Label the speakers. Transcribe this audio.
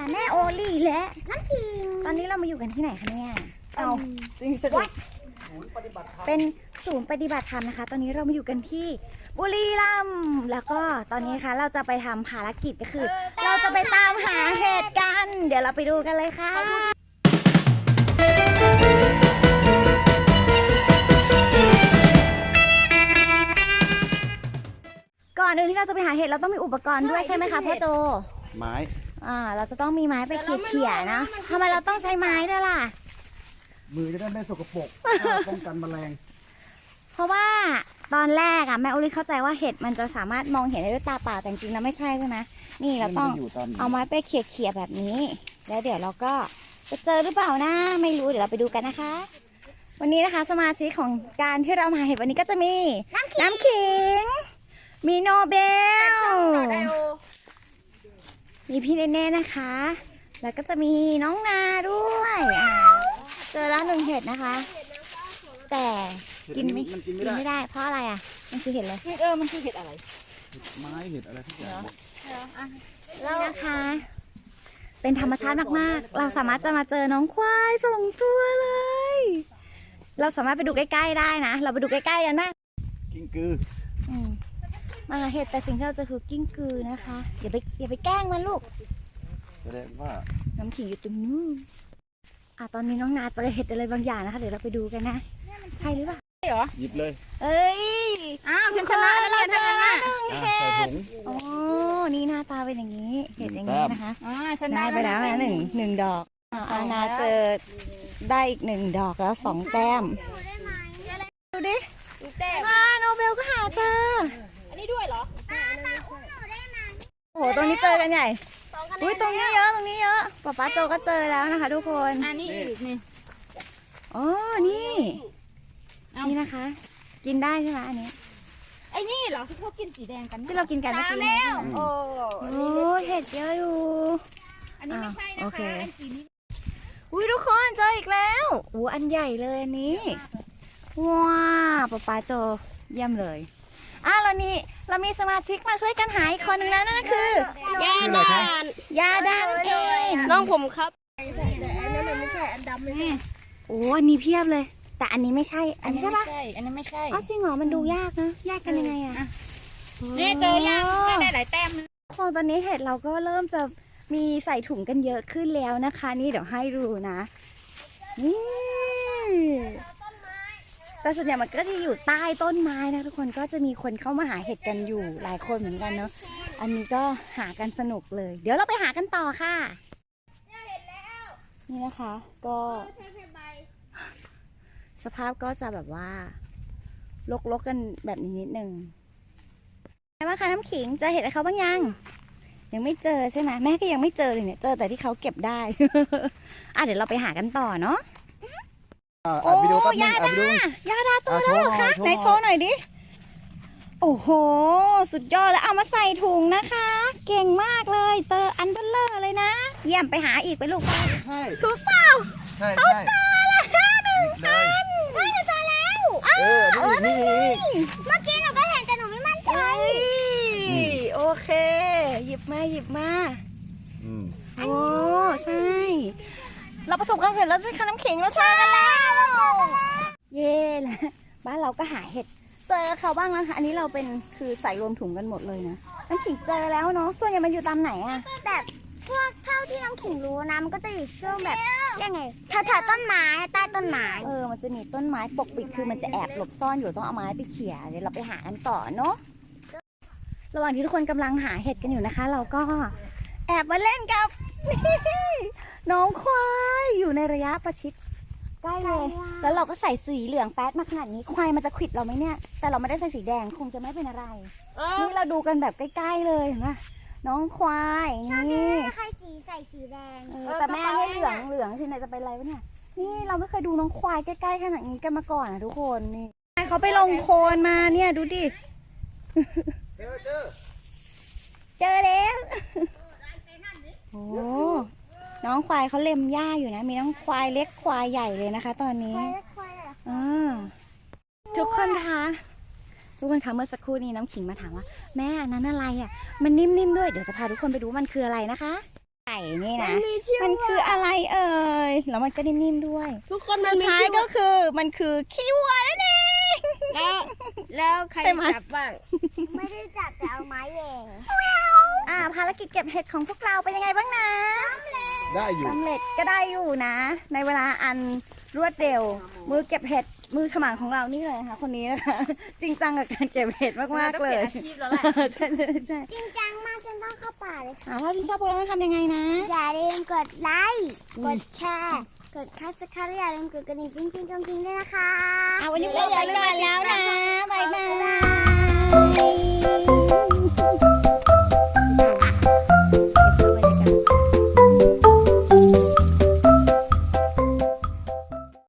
Speaker 1: แม่โอลี่และน้ำขิงตอนนี้เรามาอยู่กันที่ไหนคะเนี่ยเอาสิ่งศักดิ์สิทธิ์เป็นศูนย์ปฏิบัติธรรมนะคะตอนนี้เรามาอยู่กันที่บุรีรัมย์แล้วก็ตอนนี้ค่ะเราจะไปทำภารกิจก็คือ เราจะไปตามหาเห็ดกันเดี๋ยวเราไปดูกันเลยค่ะก่อนอื่นที่เราจะไปหาเห็ดเราต้องมีอุปกรณ์ด้วยใช่ไหมคะพ่อโจ
Speaker 2: ไม้
Speaker 1: เราจะต้องมีไม้ไปเขี่ยๆนะทำไมเราต้องใช้ไม้ด้วยล่ะ
Speaker 2: มือจะได้ไม่สกปรกป้องกันแมลง
Speaker 1: เพราะว่าตอนแรกแม่อุลิเข้าใจว่าเห็ดมันจะสามารถมองเห็นได้ด้วยตาเปล่าแต่จริงๆแล้วไม่ใช่ใช่ไหมนี่เราต้องเอาไม้ไปเขี่ยๆแบบนี้แล้วเดี๋ยวเราก็จะเจอหรือเปล่านะไม่รู้เดี๋ยวเราไปดูกันนะคะวันนี้นะคะสมาชิกของการที่เรามาเห็ดวันนี้ก็จะมีน้ำขิงมีโนเบลมีพี่เนเน่นะคะแล้วก็จะมีน้องนาด้วยเจอแล้ว1เห็ดนะคะแต่กินไม่ได้เพราะอะไรมันคือเห็ดอะไร
Speaker 3: มันคือเห็ดอะไร
Speaker 2: ไม้เห็ดอะไรทุกอย่าง
Speaker 1: แล้วนะคะเป็นธรรมชาติมากๆเราสามารถจะมาเจอน้องควาย2 ตัวเลยเราสามารถไปดูใกล้ๆได้นะเราไปดูใกล้ๆกันนะ
Speaker 2: กิ้งกือ
Speaker 1: มาเห็ดแต่สิ่งที่เราเจอคือกิ้งกือนะคะอย่าไปแกล้งมันลูก
Speaker 2: แสดงว่า
Speaker 1: น้ำขิงอยู่ตรงนู้นตอนนี้น้องนาเจอเห็ดอะไรบางอย่างนะคะเดี๋ยวเราไปดูกันนะใช่หรือเปล่า
Speaker 3: ใช่เหรอ
Speaker 2: หยิบเลย
Speaker 1: เอ้ย
Speaker 3: ฉันชนะแล้วเนี่ยทั้งนั้น
Speaker 1: ใส่
Speaker 2: ถุง
Speaker 1: โอ้นี่หน้าตาเป็นอย่างนี้เห็ดอย่างนี้นะคะ
Speaker 3: ฉัน
Speaker 1: ได้ไปแล้วนะหนึ่งดอกนาเจอได้อีก1 ดอกแล้ว2 แต้มดูดิโนเบลก็หาเจอ
Speaker 3: อันนี้ด้วยเหรอ
Speaker 1: โอ้โหตรงนี้เจอกันใหญ่อุ้ยตรงนี้เยอะป๊าโจก็เจอแล้วนะคะทุกคน
Speaker 3: อันนี้อีกนี่
Speaker 1: อ๋อนี่นะคะกินได้ใช่ไหมอันนี้
Speaker 3: ไอ้นี่เหรอที่เขากินสีแดงกัน
Speaker 1: ที่เรากินกันเมื่อกี้
Speaker 3: แล้วโอ้
Speaker 1: เห็ดเยอะอยู่
Speaker 3: อันนี้ไม่ใช่นะคะอันสีนี้
Speaker 1: อุ้ยทุกคนเจออีกแล้วอันใหญ่เลยอันนี้ว้าป๊าโจเยี่ยมเลยแล้วนี่เรามีสมาชิกมาช่วยกันหาอีกคนหนึ่งแล้วนั่นก็คือยาดานเอง
Speaker 3: น้องผมครับ
Speaker 1: อันนั้นไม่ใช่อันดำเลยอันนี้เพียบเลยแต่อันนี้ไม่ใช่อันนี้ใช่ปะ
Speaker 3: อันนี้ไม่ใช่
Speaker 1: จริงเหรอมันดูยากนะแยกกันยังไง
Speaker 3: นี่เจอยากได้หลายแต้ม
Speaker 1: ตอนนี้เห็ดเราก็เริ่มจะมีใส่ถุงกันเยอะขึ้นแล้วนะคะนี่เดี๋ยวให้ดูนะนี่แต่ส่วนใหญ่มันก็จะอยู่ใต้ต้นไม้นะทุกคนก็จะมีคนเข้ามาหาเห็ดกันอยู่หลายคนเหมือนกันเนาะอันนี้ก็หากันสนุกเลยเดี๋ยวเราไปหากันต่อค่ะนี่นะคะก็สภาพก็จะแบบว่าลกกันแบบนี้นิดนึงไงบ้างคะน้ำขิงเจอเห็ดอะไรเขาบ้างยังไม่เจอใช่ไหมแม่ก็ยังไม่เจอเลยเนี่ยเจอแต่ที่เขาเก็บได้ เดี๋ยวเราไปหากันต่อเนาะโอ้ยาดาเจอแล้วเหรอคะไหนโชว์หน่อยดิโอ้โหสุดยอดแล้วเอามาใส่ถุงนะคะเก่งมากเลยเจออันเบลเลอร์เลยนะเยี่ยมไปหาอีกไปลูกถูกเปล่าเขาเจอแล้ว1 อันไม่เจอแล้วนี่เมื่อกี้หนูก็เห็นแต่หนูไม่มั่นใจโอเคหยิบมาโอ้ใช่เราประสบความสำเร็จแล้วใช่ค่ะน้ำขิงเราเจอกันแล้วเย่แล้วบ้านเราก็หาเห็ดเจอเขาบ้างนะคะอันนี้เราเป็นคือใส่รวมถุงกันหมดเลยนะน้ำขิงเจอแล้วเนาะส่วนใหญ่มันอยู่ตามไหนแบบพวกเท่าที่น้ำขิงรู้นะมันก็จะอยู่ช่วงแบบยังไงแถวต้นไม้ใต้ต้นไม้มันจะมีต้นไม้ปกปิดคือมันจะแอบหลบซ่อนอยู่ต้องเอาไม้ไปเขี่ยเดี๋ยวเราไปหากันต่อเนาะระหว่างที่ทุกคนกำลังหาเห็ดกันอยู่นะคะเราก็แอบมาเล่นกับน้องควายอยู่ในระยะประชิดใกล้เลยแล้วเราก็ใส่สีเหลืองแป๊ดมาขนาดนี้ควายมันจะขวิดเราไหมเนี่ยแต่เราไม่ได้ใส่สีแดงคงจะไม่เป็นอะไรนี่เราดูกันแบบใกล้ๆเลยนะน้องควายนี่ใครใส่สีแดงแต่แม่ให้เหลืองที่ไหนจะเป็นอะไรวะเนี่ยนี่เราไม่เคยดูน้องควายใกล้ๆขนาดนี้กันมาก่อนนะทุกคนนี่เขาไปลงโคลนมาเนี่ยดูดิเจอแล้วโอ้น้องควายเขาเล็มหญ้าอยู่นะมีน้องควายเล็กควายใหญ่เลยนะคะตอนนี้ทุกคนคะเมื่อสักครู่นี้น้ำขิงมาถามว่าแม่อันนั้นอะไรมันนิ่มๆด้วยเดี๋ยวจะพาทุกคนไปดูมันคืออะไรนะคะไก่นี่นะ
Speaker 4: มันมีชื่อ
Speaker 1: มันคืออะไรเอ่ยแล้วมันก็นิ่มๆด้วย
Speaker 4: ทุกคนมัน
Speaker 1: สุด
Speaker 4: มี
Speaker 1: ท้าย
Speaker 4: ชื่อ
Speaker 1: ก็คือมันคือขี้วัวนั่นเอง
Speaker 4: แล้วใคร
Speaker 1: ใช่ไหม
Speaker 4: จับบ้าง
Speaker 5: ไม่ได้จับแต่เอาไม้แหย่
Speaker 1: ภารกิจเก็บเห็ดของพวกเราเป็นยังไงบ้างนะ
Speaker 2: ได้อยู่
Speaker 1: สำเร็จก็ได้อยู่นะ ในเวลาอันรวดเร็ว มือเก็บเห็ดมือฉมังของเรานี่เลยนะคะคนนี้นะคะ จริงจังกับการเก็บเห็ดมากๆเลย
Speaker 3: อาชีพแล้วแหละ
Speaker 1: ใช่ใช่
Speaker 5: จริงจังมากจนต้องเข้าป่าเลยค่ะ
Speaker 1: ถ้าที่ชอบพวกเราต้องทำยังไงนะ
Speaker 5: อย่าลืมกดไลค์กดแชร์กดคับสไครต์อย่าลืมกดกระดิ่งจริงๆด้วยนะคะ
Speaker 1: วันนี้พวกเราไปก่อนแล้วนะ